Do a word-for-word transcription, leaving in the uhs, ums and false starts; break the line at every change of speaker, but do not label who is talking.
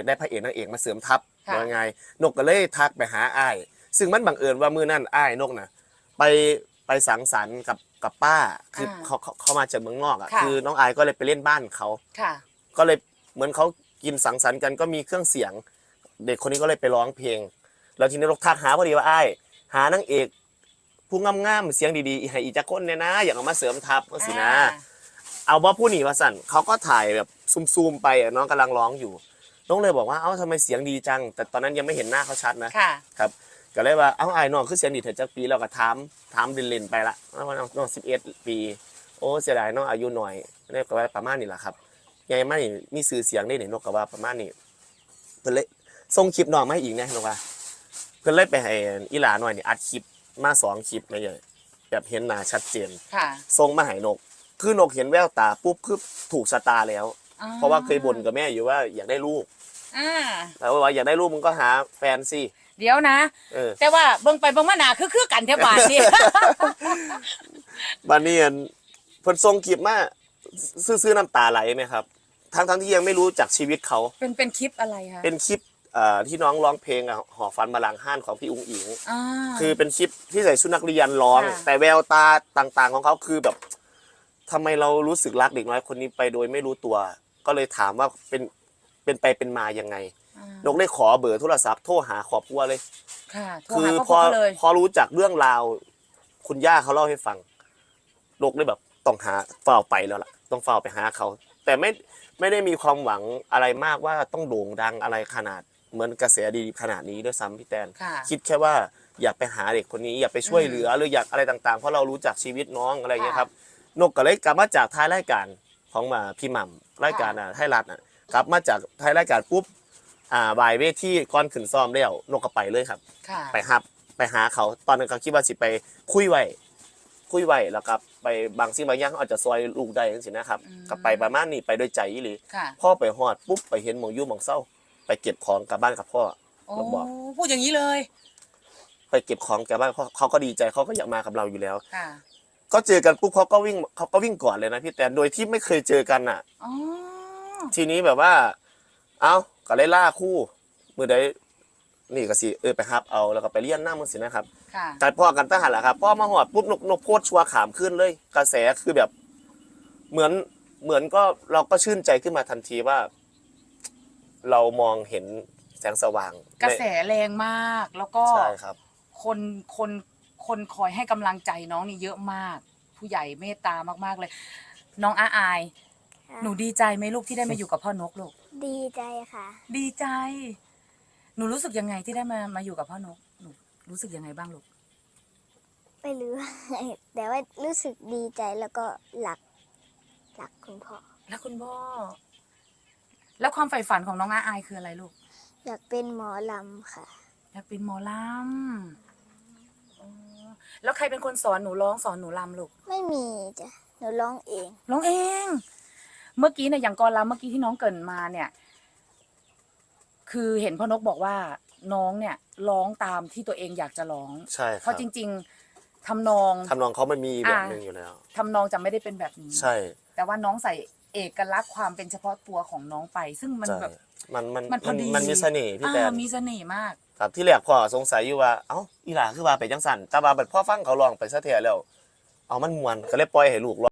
ได้พระเอกนางเอกมาเสริมทัพว่าไงนกก็เลยทักไปหาอ้ายซึ่งมันบังเอิญว่ามื้อนั้นอ้ายนกน่ะไปไปสังสรรค์กับกับป้าคือเขาเขามาจากเมืองนอกอ่ะคือน้องอายก็เลยไปเล่นบ้านเขาก็เลยเหมือนเขากินสังสรรค์กันก็มีเครื่องเสียงเด็กคนนี้ก็เลยไปร้องเพลงแล้วทีนี้นกทักหาพอดีว่าอ้ายหานางเอกผู้งามๆเสียงดีๆให้อีจักคนเนี่ยนะอยากเอามาเสริมทัพก็สินะเอาว่าผู้หนีว่าสั่นเขาก็ถ่ายแบบซูมๆไปน้องกำลังร้องอยู่น้องเลยบอกว่าเอ้าทำไมเสียงดีจังแต่ตอนนั้นยังไม่เห็นหน้าเขาชัดนะครับก็เลยว่าเอ้าไอ้น้องคือเสียงดีเถิดจักปีแล้วก็ถามถามเล่นๆไปละว่าน้องสิบเอ็ดปีโอ้เสียดายน้องอายุหน่อยนี่ก็ว่าประมาณนี้แหละครับยังไม่มีสื่อเสียงได้เนี่ยนกก็ว่าประมาณนี้เพิ่นเลยส่งคลิปน้องมาให้อีกนะนกว่าเพิ่นเลยไปให้อีหลาหน่อยนี่อัดคลิปมาสองคลิปมาเลยแบบเห็นหน้าชัดเจนส่งมาให้นกคือนกเห็นแววตาปุ๊บคือถูกชะตาแล้วเพราะว่าเคยบ่นกับแม่อยู่ว่าอยากได้ลูกแล้วว่าอยากได้ลูกมึงก็หาแฟนสิ
เดี๋ยวนะแต่ว่าเบิ่งไปเบิ่งมาหนาคือคือกันแท้บาดนี่
บานนี้เพิ่นส่งคลิปมาซื่อๆน้ำตาไหลไหมครับทั้งทั้งที่ยังไม่รู้จักชีวิตเขาเป็น
เป็นคลิปอะไรคะ
เป็นคลิปที่น้องร้องเพลงหอฟันมาลังห้านของพี่อุ้งอิงคือเป็นคลิปที่ใส่ชุดนักเรียนร้องแต่แววตาต่างๆของเขาคือแบบทำไมเรารู้สึกรักเด็กน้อยคนนี้ไปโดยไม่รู้ตัวก็เลยถามว่าเป็นเป็นไปเป็นมายังไงนกได้ขอเบอร์โทรศัพท์โทรหาครอบครัวเลยคือพอพอรู้จักเรื่องราวคุณย่าเขาเล่าให้ฟังนกเลยแบบต้องหาเฝ้าไปแล้วล่ะต้องเฝ้าไปหาเขาแต่ไม่ไม่ได้มีความหวังอะไรมากว่าต้องโด่งดังอะไรขนาดเหมือนกระแสดีขนาดนี้ด้วยซ้ำพี่แตนคิดแค่ว่าอยากไปหาเด็กคนนี้อยากไปช่วยเหลือหรืออยากอะไรต่างๆเพราะเรารู้จักชีวิตน้องอะไรอย่างเงี้ยครับนกก็เลยกลับมาจากท้ายรายการของมาพี่หม่ำรายการอ่ะไทยรัฐอ่ะกลับมาจากท้ายรายการปุ๊บอ่าบ่ายเวทีก่อนขึ้นซ้อมแล้วนกก็ไปเลยครับไปฮับไปหาเขาตอนนั้นเขาคิดว่าสิไปคุยไว้คุยไว้แล้วก็ไปบางสิ่งบางอย่างเขาอาจจะซอยลูกได้จังซี่นะครับก็ไปประมาณนี้ไปด้วยใจอีหลีพ่อไปฮอดปุ๊บไปเห็นหมองยู่หมองเศร้าไปเก็บของกลับบ้านกับพ่อ
เราบอกพูดอย่างนี้เลย
ไปเก็บของกลับบ้านเขาก็ดีใจเขาก็อยากมากับเราอยู่แล้วก็เจอกันปุ๊บเขาก็วิ่งเขาก็วิ่งก่อนเลยนะพี่แต่โดยที่ไม่เคยเจอกันอ่ะทีนี้แบบว่าเอ้าก็เลยล่าคู่มือใดนี่ก็สิเออไปฮับเอาแล้วก็ไปเลี้ยนหน้ามือสินะครับแต่พ่อกันตั้งหันแหละครับพ่อมาหอดปุ๊บนกนกโพดชัวขามขึ้นเลยกระแสคือแบบเหมือนเหมือนก็เราก็ชื่นใจขึ้นมาทันทีว่าเรามองเห็นแสงสว่าง
กระแสแรงมากแล้วก็
ใช่ครับ
คนคนคนคอยให้กำลังใจน้องนี่เยอะมากผู้ใหญ่เมตตามากๆเลยน้องอาอายหนูดีใจไหมลูกที่ได้มาอยู่กับพ่อนกลูก
ดีใจค่ะ
ดีใจหนูรู้สึกยังไงที่ได้มามาอยู่กับพ่อนกหนูรู้สึกยังไงบ้างลูก
ไม่รู้แต่ว่ารู้สึกดีใจแล้วก็หลักหลักคุณพ่อ
แล้วคุณพ่อแล้วความใฝ่ฝันของน้องอาอายคืออะไรลูก
อยากเป็นหมอลำค่ะ
อยากเป็นหมอลำแล้วใครเป็นคนสอนหนูร้องสอนหนูลำลูก
ไม่มีจ้ะหนูร้องเอง
ร้องเองเมื่อกี้เนี่ยอย่างกรลำเมื่อกี้ที่น้องเกิดมาเนี่ยคือเห็นพ่อนกบอกว่าน้องเนี่ยร้องตามที่ตัวเองอยากจะร้อง
ใช่
เพราะจริงๆทำนอง
ทำนองเขาไม่มีแบบนึงอยู่แล้ว
ทำนองจะไม่ได้เป็นแบบนี้
ใช่
แต่ว่าน้องใส่เอกลักษณ์ความเป็นเฉพาะตัวของน้องไปซึ่งมันแบบ
มันมันมันมันมีเสน่ห์พี่แตน
มีเสน่ห์มาก
ครับที่แรกพ่อสงสัยอยู่ว่าเอ้าอีหลาคือว่าไปจังสั่นแต่ว่าบัดพ่อฟังเขาลองไปซะเทียแล้วเอามันม่วนก็เลยปล่อยให้ลูก